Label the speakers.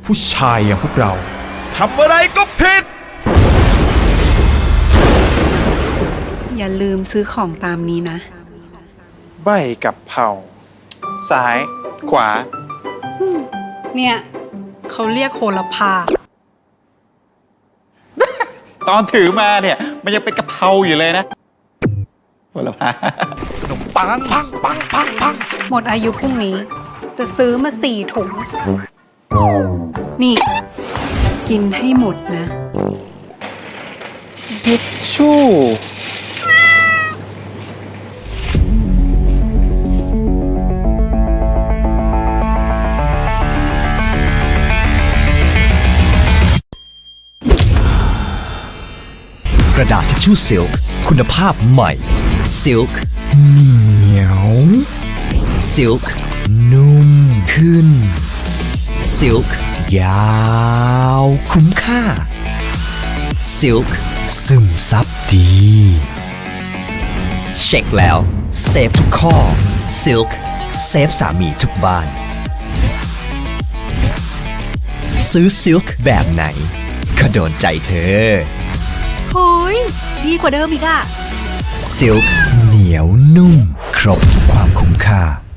Speaker 1: ผู้ชายอย่างพวกเราทำอะไรก็ผิด
Speaker 2: อย่าลืมซื้อของตามนี้นะ
Speaker 3: ใบกับเผาซ้าย ขวา
Speaker 2: เนี่ยเขาเรียกโหระพา
Speaker 3: ตอนถือมาเนี่ย มันยังเป็นกะเพราอยู่เลยนะโหระพาขนมปังปังปังปังปัง
Speaker 2: หมดอายุพรุ่งนี้แต่ซื้อมา4 ถุง นี่ กินให้หมดนะ
Speaker 3: ทิชชู่
Speaker 4: กระดาษทิชชู่ซิลค์คุณภาพใหม่ซิลค์เหนียวซิลค์นุ่มขึ้นซิลค์ยาวคุ้มค่าซิลค์ซึมซับดีเช็คแล้วเซฟทุกข้อซิลค์เซฟสามีทุกบ้านซื้อซิลค์แบบไหนก็โดนใจเธอ
Speaker 2: โฮ้ยดีกว่าเดิมอีกอะ
Speaker 4: ซิลค์เหนียวนุ่มครบทุกความคุ้มค่า